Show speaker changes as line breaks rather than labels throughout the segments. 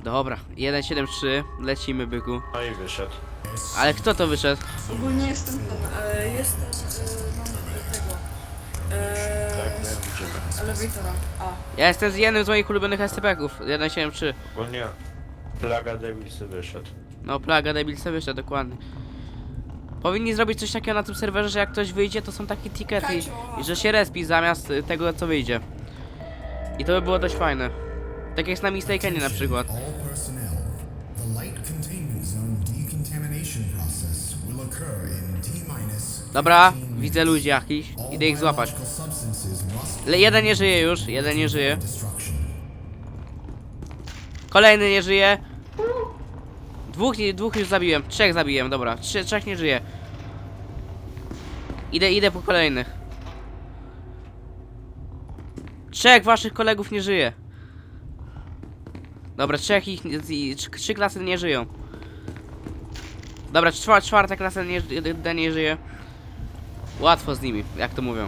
Dobra, 173, lecimy byku.
No i wyszedł.
Ale kto to wyszedł?
Ogólnie jestem ten, mam tego,
Tak, my widzimy.
elevatora. A,
Ja jestem z jednym z moich ulubionych SCP-ków, 173.
Ogólnie Plaga Devilsy wyszedł.
No, Plaga Devilsy wyszedł, dokładnie. Powinni zrobić coś takiego na tym serwerze, że jak ktoś wyjdzie, to są takie tikety i że się respi zamiast tego, co wyjdzie. I to by było dość fajne. Tak jak z na Mistakenie na przykład.
All personnel, the light containment zone decontamination process will occur in T-minus.
Dobra, widzę ludzi jakichś,
All
idę ich złapać.
biological substances must
Jeden nie żyje już, jeden nie żyje.
destruction.
Kolejny nie żyje. Dwóch już zabiłem, trzech zabiłem, dobra, trzech nie żyje. Idę po kolejnych. Trzech waszych kolegów nie żyje. Dobra, trzy klasy nie żyją. Dobra, czwarta klasa nie żyje. Łatwo z nimi, jak to mówią.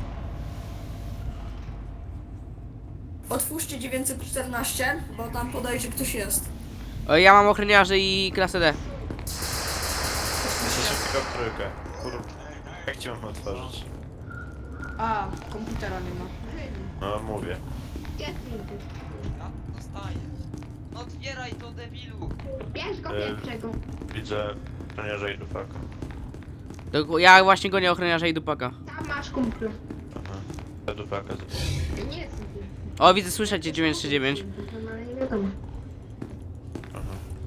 otwórzcie 914, bo tam podaje, że ktoś jest.
O, ja mam ochroniarzy i klasę D.
Jesteśmy tylko w trójkę. Kurde. Jak ci mam otworzyć?
A, komputera nie ma.
No mówię.
Ja dostaję. No otwieraj to, debilu!
Bierz go
E,
pierwszego.
Widzę żołnierza i dufaka.
Ja właśnie gonię ochroniarza i dupaka.
Tam masz kumplu.
Aha. Ja dufaka z...
Nie jestem
O, widzę, słyszycie 939.
no ale nie wiadomo.
Aha.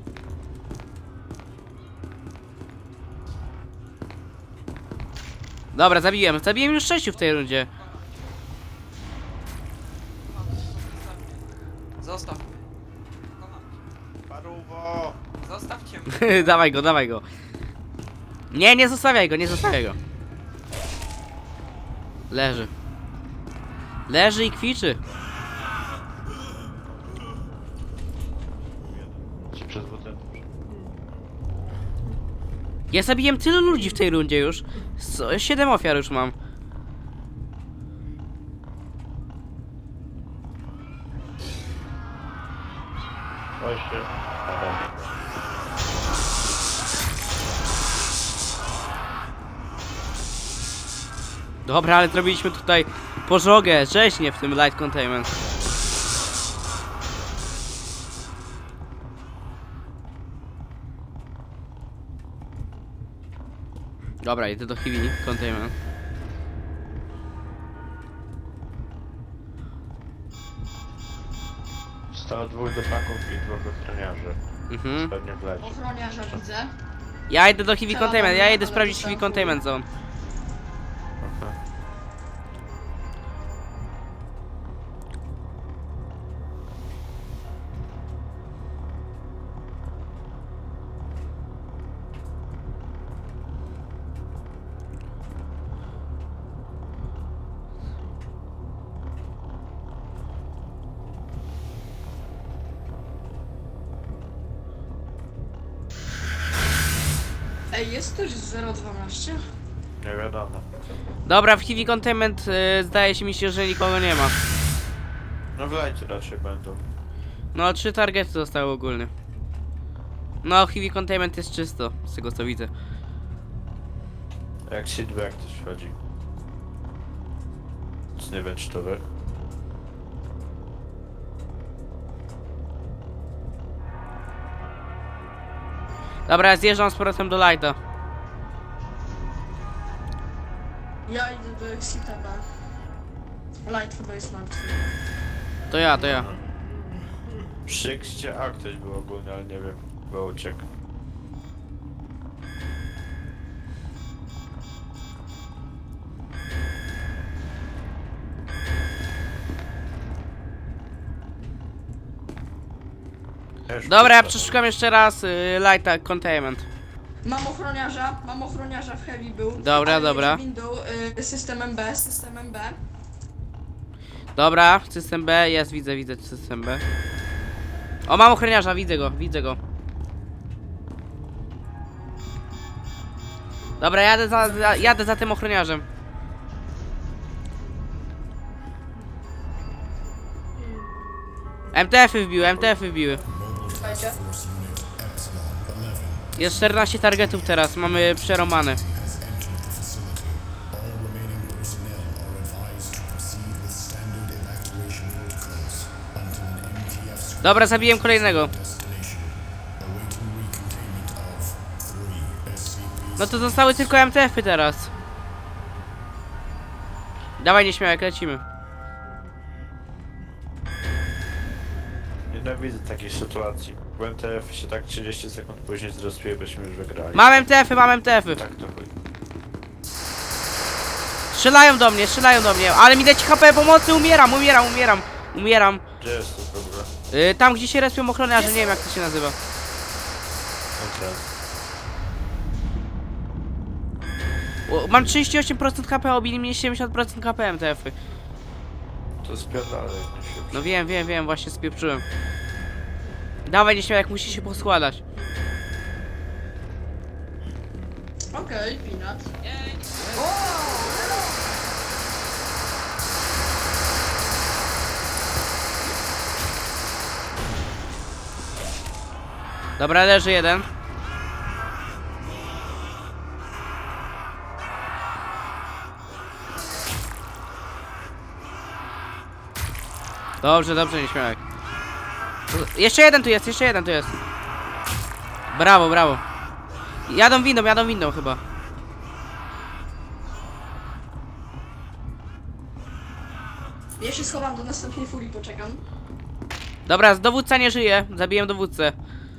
Dobra, zabiłem już 6 w tej rundzie.
Zostaw.
Paruwo!
Zostawcie mnie.
Dawaj go. Nie zostawiaj go. Leży i kwiczy.
Ci przez butel.
Ja zabiłem tylu ludzi w tej rundzie już. 7 ofiar już mam.
Właśnie. Aha.
Dobra, ale zrobiliśmy tutaj pożogę, rzeźnię w tym light containment. Dobra, idę do heavy containment.
Zostało 2 dufaków i 2 ochroniarzy.
Mhm.
Pewnie wleci.
Ochroniarza widzę.
Ja idę do heavy containment, ja idę sprawdzić heavy containment zone.
Aha.
Ej, jest ktoś z 012?
Nie wiadomo.
Dobra, w heavy containment zdaje się mi się, że nikogo nie ma.
No wlejcie raczej będą.
No, 3 targety zostały ogólnie. No, heavy containment jest czysto, z tego co widzę.
Jak sidby jak ktoś wchodzi. Nic nie wiem czy to wy.
Dobra, ja zjeżdżam z powrotem do lighta.
Ja idę do Exita B. Light chyba jest martwy.
To ja.
Przy Xcie A ktoś był ogólnie, ale nie wiem. Bo uciekł.
Dobra, ja przeszukam jeszcze raz lighta containment.
Mam ochroniarza w heavy był.
Dobra,
ale
dobra.
jedzie windą, systemem B.
Dobra, system B, jest, widzę system B. O, mam ochroniarza, widzę go. Dobra, jadę za tym ochroniarzem. MTF-y wbiły.
Słuchajcie.
Force Unit Epsilon 11
Jest 14 targetów teraz, mamy przeromane.
has entered the facility. All remaining personnel are advised to proceed with standard evacuation protocols until an MTF
Dobra, zabiłem kolejnego.
destination. Awaiting recontainment of 3 SCP.
No to zostały tylko MTF-y teraz. Dawaj nieśmiałek, lecimy.
Nienawidzę takiej sytuacji. W MTF się tak 30 sekund później zrespiły, byśmy już wygrali.
Mam MTF-y, mam MTF-y.
Tak to chuj.
Strzelają do mnie, ale mi leci HP pomocy, umieram.
Gdzie jest to w ogóle?
Tam gdzie się respią ochroniarze, nie wiem jak to się nazywa.
MTF.
Mam 38% HP, obili mnie 70% HP MTF-y.
To spierdalaj.
No wiem, właśnie spieprzyłem. Dawaj nieśmiałek, musi się poskładać.
Okej, Peanut.
Jej!
Dobra, leży jeden. Dobrze, nieśmiałek. Jeszcze jeden tu jest. Brawo. Jadą windą chyba.
Ja się schowam do następnej furii, poczekam.
Dobra, dowódca nie żyje. Zabiłem dowódcę.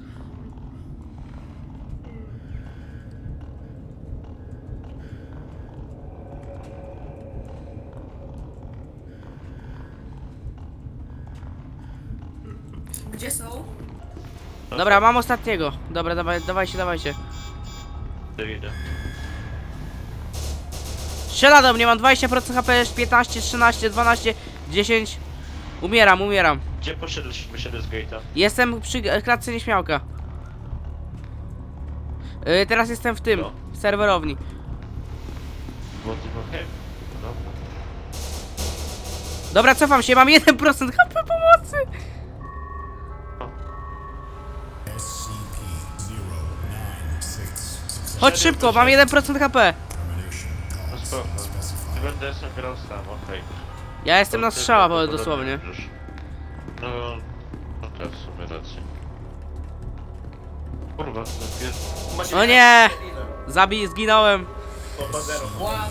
Gdzie są?
Dobra, mam ostatniego. Dobra, dawajcie.
Idę.
Strzela do mnie, mam 20% HP, 15, 13, 12, 10. Umieram.
Gdzie poszedłeś? Wyszedłeś z gate'a?
Jestem przy klatce nieśmiałka. Teraz jestem w tym,
Co?
w serwerowni.
Bo ty okej. Dobra.
Dobra, cofam się, mam 1% HP pomocy.
SCP-096
Chodź szybko, mam 1% HP.
termination
No
cause
spoko.
specified.
Ty będę sam grał sam, okej.
Ja jestem na
To ty
strzała
prawdopodobnie
dosłownie.
już. No, no to w sumie rację. Kurwa, to jest...
O nie! Zginąłem.